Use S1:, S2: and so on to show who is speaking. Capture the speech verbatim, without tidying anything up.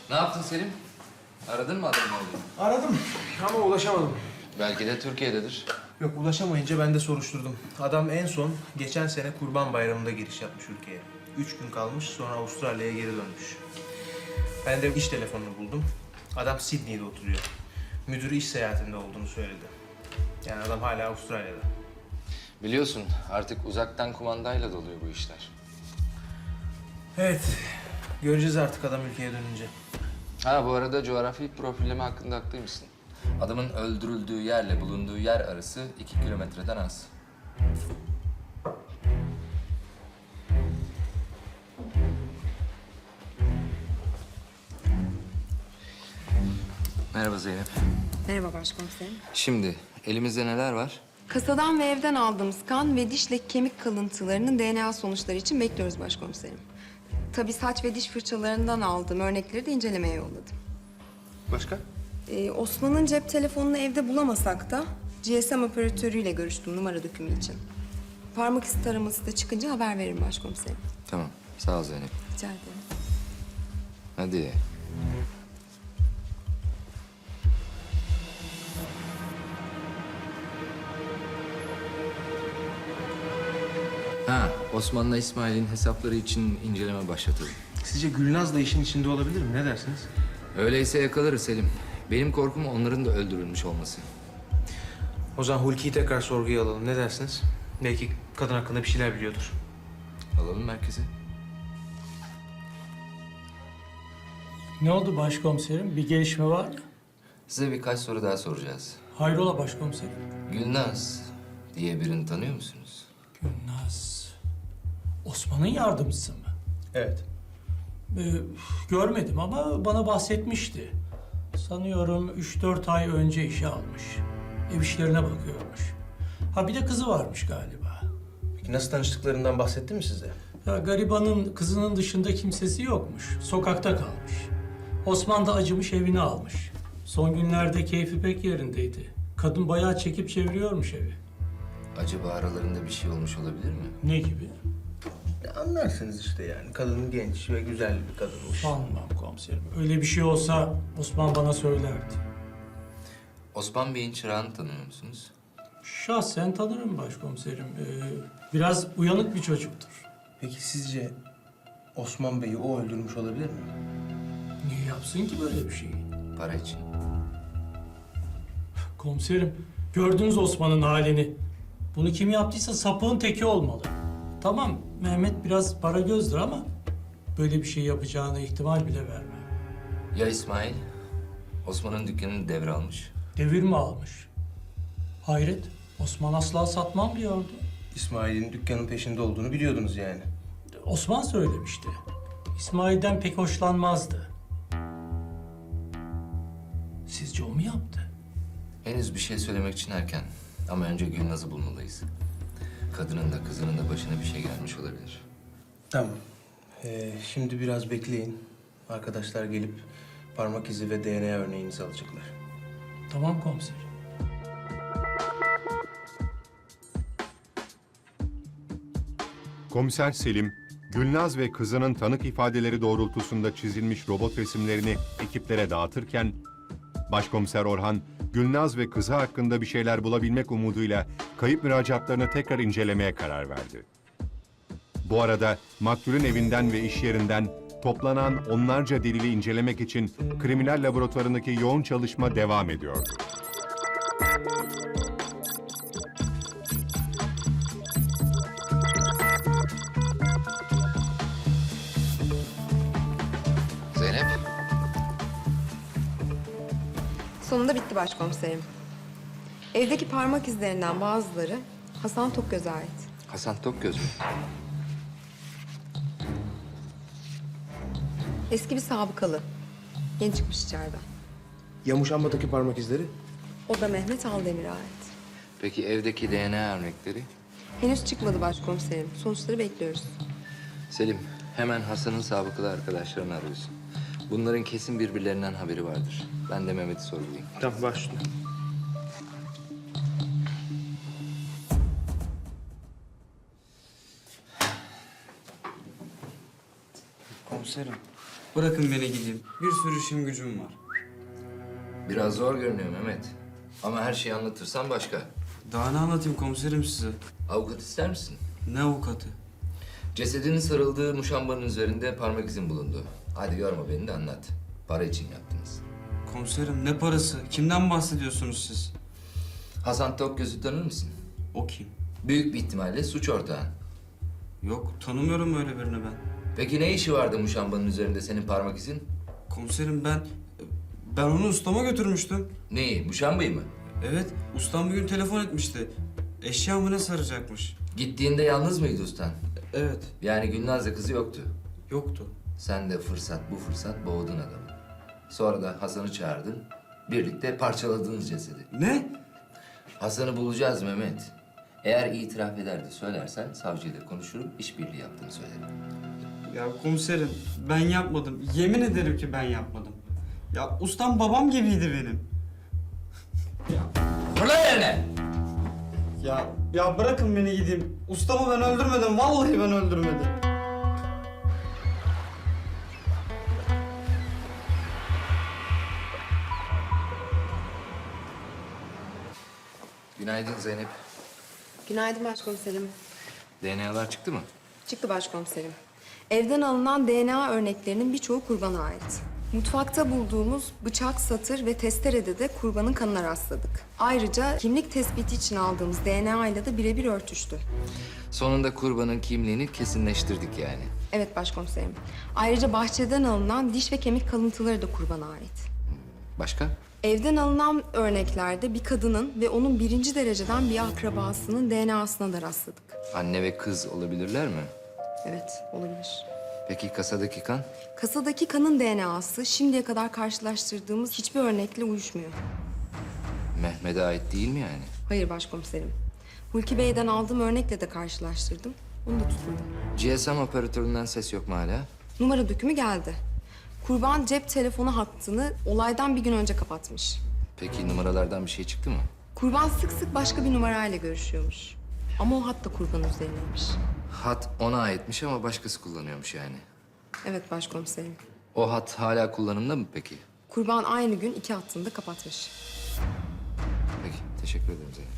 S1: Ne yaptın Selim? Aradın mı adamın oğlunu?
S2: Aradım ama ulaşamadım.
S1: Belki de Türkiye'dedir.
S2: Yok, ulaşamayınca ben de soruşturdum. Adam en son geçen sene Kurban Bayramı'nda giriş yapmış ülkeye. Üç gün kalmış, sonra Avustralya'ya geri dönmüş. Ben de iş telefonunu buldum. Adam Sydney'de oturuyor. Müdürü iş seyahatinde olduğunu söyledi. Yani adam hala Avustralya'da.
S1: Biliyorsun artık uzaktan kumandayla doluyor bu işler.
S2: Evet, göreceğiz artık adam ülkeye dönünce.
S1: Ha bu arada coğrafi profilleme hakkında haklıymışsın. Adamın öldürüldüğü yerle bulunduğu yer arası iki kilometreden az. Merhaba Zeynep.
S3: Merhaba başkomiserim.
S1: Şimdi elimizde neler var?
S3: Kasadan ve evden aldığımız kan ve dişle kemik kalıntılarının D N A sonuçları için bekliyoruz başkomiserim. Tabii saç ve diş fırçalarından aldığım örnekleri de incelemeye yolladım.
S2: Başka?
S3: Ee, Osman'ın cep telefonunu evde bulamasak da G S M operatörüyle görüştüm numara dökümü için. Parmak izi taraması da çıkınca haber veririm başkomiserim.
S1: Tamam sağ ol Zeynep.
S3: Rica ederim.
S1: Hadi. Ha, Osman'la İsmail'in hesapları için inceleme başlatıldı.
S2: Sizce Gülnaz da işin içinde olabilir mi? Ne dersiniz?
S1: Öyleyse yakalarız Selim. Benim korkum onların da öldürülmüş olması.
S2: O zaman Hulki'yi tekrar sorguya alalım. Ne dersiniz? Belki kadın hakkında bir şeyler biliyordur.
S1: Alalım merkeze.
S4: Ne oldu başkomiserim? Bir gelişme var mı?
S1: Size birkaç soru daha soracağız.
S4: Hayrola başkomiserim?
S1: Gülnaz diye birini tanıyor musunuz?
S4: Gülnaz. Osman'ın yardımcısı mı?
S2: Evet.
S4: Ee, görmedim ama bana bahsetmişti. Sanıyorum üç dört ay önce işe almış. Ev işlerine bakıyormuş. Ha bir de kızı varmış galiba.
S2: Peki nasıl tanıştıklarından bahsetti mi size?
S4: Ya garibanın kızının dışında kimsesi yokmuş. Sokakta kalmış. Osman da acımış evini almış. Son günlerde keyfi pek yerindeydi. Kadın bayağı çekip çeviriyormuş evi.
S1: Acaba aralarında bir şey olmuş olabilir mi?
S4: Ne gibi?
S2: Ya anlarsınız işte yani. Kadın genç ve güzel bir kadınmış.
S4: Sanmam komiserim. Öyle bir şey olsa Osman bana söylerdi.
S1: Osman Bey'in çırağını tanıyor musunuz?
S4: Şahsen tanırım başkomiserim. Ee, biraz uyanık bir çocuktur.
S2: Peki sizce Osman Bey'i o öldürmüş olabilir mi?
S4: Niye yapsın ki böyle bir şeyi?
S1: Para için.
S4: Komiserim, gördünüz Osman'ın halini. Bunu kim yaptıysa sapığın teki olmalı. Tamam, Mehmet biraz para gözdür ama böyle bir şey yapacağına ihtimal bile vermem.
S1: Ya İsmail? Osman'ın dükkanını devralmış.
S4: Devir mi almış? Hayret, Osman asla satmam diyordu.
S2: İsmail'in dükkanın peşinde olduğunu biliyordunuz yani.
S4: Osman söylemişti. İsmail'den pek hoşlanmazdı. Sizce o mu yaptı?
S1: Henüz bir şey söylemek için erken. Ama önce Gülnaz'ı bulmalıyız. Kadının da kızının da başına bir şey gelmiş olabilir.
S2: Tamam. Ee, şimdi biraz bekleyin. Arkadaşlar gelip parmak izi ve D N A örneğinizi alacaklar.
S4: Tamam komiserim.
S5: Komiser Selim, Gülnaz ve kızının tanık ifadeleri doğrultusunda çizilmiş robot resimlerini ekiplere dağıtırken, Başkomiser Orhan, Gülnaz ve kızı hakkında bir şeyler bulabilmek umuduyla kayıp müracaatlarını tekrar incelemeye karar verdi. Bu arada maktulün evinden ve iş yerinden toplanan onlarca delili incelemek için kriminal laboratuvarındaki yoğun çalışma devam ediyordu.
S1: Zeynep,
S3: Sonunda bitti başkomiserim. Evdeki parmak izlerinden bazıları Hasan Tokgöz'e ait.
S1: Hasan Tokgöz mü?
S3: Eski bir sabıkalı. Yeni çıkmış içeriden.
S2: Yamuşamba'daki parmak izleri?
S3: O da Mehmet Aldemir'e ait.
S1: Peki evdeki D N A örnekleri?
S3: Henüz çıkmadı başkomiserim. Sonuçları bekliyoruz.
S1: Selim, hemen Hasan'ın sabıkalı arkadaşlarını arıyorsun. Bunların kesin birbirlerinden haberi vardır. Ben de Mehmet'i sorgulayayım.
S2: Tamam, başla. Komiserim,
S6: Bırakın beni gideyim. Bir sürü işim gücüm var.
S1: Biraz zor görünüyor Mehmet. Ama her şeyi anlatırsan başka.
S6: Daha ne anlatayım komiserim size?
S1: Avukat ister misin?
S6: Ne avukatı?
S1: Cesedinin sarıldığı muşambanın üzerinde parmak izin bulundu. Hadi yorma beni de anlat. Para için yaptınız.
S6: Komiserim ne parası? Kimden bahsediyorsunuz siz?
S1: Hasan Tokgöz'ü tanır mısın?
S6: O kim?
S1: Büyük bir ihtimalle suç ortağın.
S6: Yok, tanımıyorum öyle birini ben.
S1: Peki ne işi vardı muşambanın üzerinde senin parmak izin?
S6: Komiserim ben... Ben onu ustama götürmüştüm.
S1: Neyi? Muşambayı mı?
S6: Evet, ustam bir gün telefon etmişti. Eşyamı ne saracakmış?
S1: Gittiğinde yalnız mıydı ustan?
S6: Evet,
S1: Yani Gülnaz'la kızı yoktu.
S6: yoktu.
S1: Sen de fırsat bu fırsat boğdun adamı. Sonra da Hasan'ı çağırdın. Birlikte parçaladınız cesedi.
S6: Ne?
S1: Hasan'ı bulacağız Mehmet. Eğer itiraf eder de söylersen savcıyla konuşurum, işbirliği yaptığını söylerim.
S6: Ya komiserim, ben yapmadım. Yemin ederim ki ben yapmadım. Ya ustam babam gibiydi benim.
S1: Fırla yerine!
S6: Ya ya bırakın beni gideyim. Ustamı ben öldürmedim. Vallahi ben öldürmedim.
S1: Günaydın Zeynep.
S3: Günaydın başkomiserim.
S1: D N A'lar çıktı mı?
S3: Çıktı başkomiserim. Evden alınan D N A örneklerinin birçoğu kurbana ait. Mutfakta bulduğumuz bıçak, satır ve testerede de kurbanın kanına rastladık. Ayrıca kimlik tespiti için aldığımız D N A ile de birebir örtüştü.
S1: Sonunda kurbanın kimliğini kesinleştirdik yani.
S3: Evet başkomiserim. Ayrıca bahçeden alınan diş ve kemik kalıntıları da kurbana ait.
S1: Başka?
S3: Evden alınan örneklerde bir kadının ve onun birinci dereceden bir akrabasının D N A'sına da rastladık.
S1: Anne ve kız olabilirler mi?
S3: Evet, olabilir.
S1: Peki kasadaki kan?
S3: Kasadaki kanın D N A'sı şimdiye kadar karşılaştırdığımız hiçbir örnekle uyuşmuyor.
S1: Mehmet'e ait değil mi yani?
S3: Hayır başkomiserim. Hulki Bey'den aldığım örnekle de karşılaştırdım. Onu da tutmadım.
S1: G S M operatöründen ses yok mu hala?
S3: Numara dökümü geldi. Kurban cep telefonu hattını olaydan bir gün önce kapatmış.
S1: Peki numaralardan bir şey çıktı mı?
S3: Kurban sık sık başka bir numarayla görüşüyormuş. Ama o hat da kurbanın üzerineymiş.
S1: Hat ona aitmiş ama başkası kullanıyormuş yani.
S3: Evet başkomiserim.
S1: O hat hala kullanımda mı peki?
S3: Kurban aynı gün iki hattını da kapatmış.
S1: Peki, teşekkür ederim Zeynep.